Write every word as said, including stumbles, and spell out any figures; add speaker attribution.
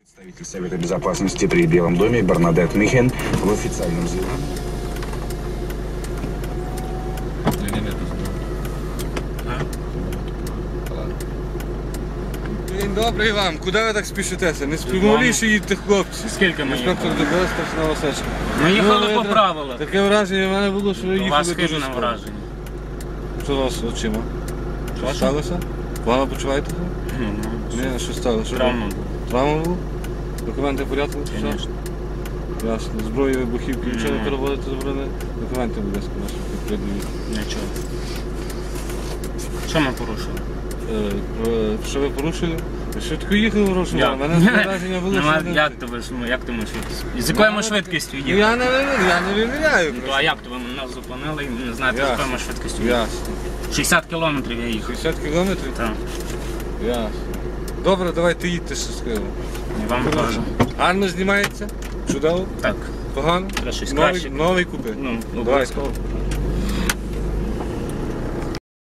Speaker 1: Представитель Совета Безопасности при Белом доме Бернадет Михен в официальном заявлении.
Speaker 2: День добрий вам. Куди ви так спішитеся? Не співмоліше їдьте, хлопці.
Speaker 3: Скільки ми
Speaker 2: Інспектор
Speaker 3: їхали?
Speaker 2: ДПС старшина Васечка.
Speaker 3: Ми їхали
Speaker 2: Ну,
Speaker 3: по
Speaker 2: я-
Speaker 3: правилах.
Speaker 2: Таке враження в мене було, що ви
Speaker 3: У вас
Speaker 2: їхали дуже
Speaker 3: хибне
Speaker 2: скоро.
Speaker 3: враження.
Speaker 2: Що у вас з очима? Що
Speaker 3: Ваша?
Speaker 2: сталося? Погано почуваєте?
Speaker 3: Ну, ну,
Speaker 2: Ні, що сталося? Що
Speaker 3: Травма
Speaker 2: було?
Speaker 3: була,
Speaker 2: Травма була? Документи в порядку? Все?
Speaker 3: звісно.
Speaker 2: Ясно. Зброю, вибухівки, нічого не
Speaker 3: Ні.
Speaker 2: переводити заборонено? Документи, будь ласка, наші підприємні.
Speaker 3: Нічого. Що ми порушили?
Speaker 2: Е, Що ви порушили? Ви швидко їхали в Рошова? У мене враження було,
Speaker 3: Нема-
Speaker 2: що... ви-
Speaker 3: Як то ви, ну, як то ми швидкість? З якою ми швидкістю
Speaker 2: Ну,
Speaker 3: їхали?
Speaker 2: Я не виміряю, я не виміряю.
Speaker 3: Ну, а як то ви нас зупинили і не знаєте, з
Speaker 2: Ясно.
Speaker 3: якою ми швидкістю їхали?
Speaker 2: Ясно.
Speaker 3: шістдесят кілометрів я їхав.
Speaker 2: шістдесят кілометрів?
Speaker 3: Так.
Speaker 2: Ясно. Добре, давайте їдьте щасливо.
Speaker 3: І вам теж.
Speaker 2: Гарно знімається? Чудово?
Speaker 3: Так.
Speaker 2: Погано?
Speaker 3: Треба щось
Speaker 2: Новий,
Speaker 3: краще.
Speaker 2: новий купи.
Speaker 3: Ну,
Speaker 2: Давайте.
Speaker 3: обов'язково.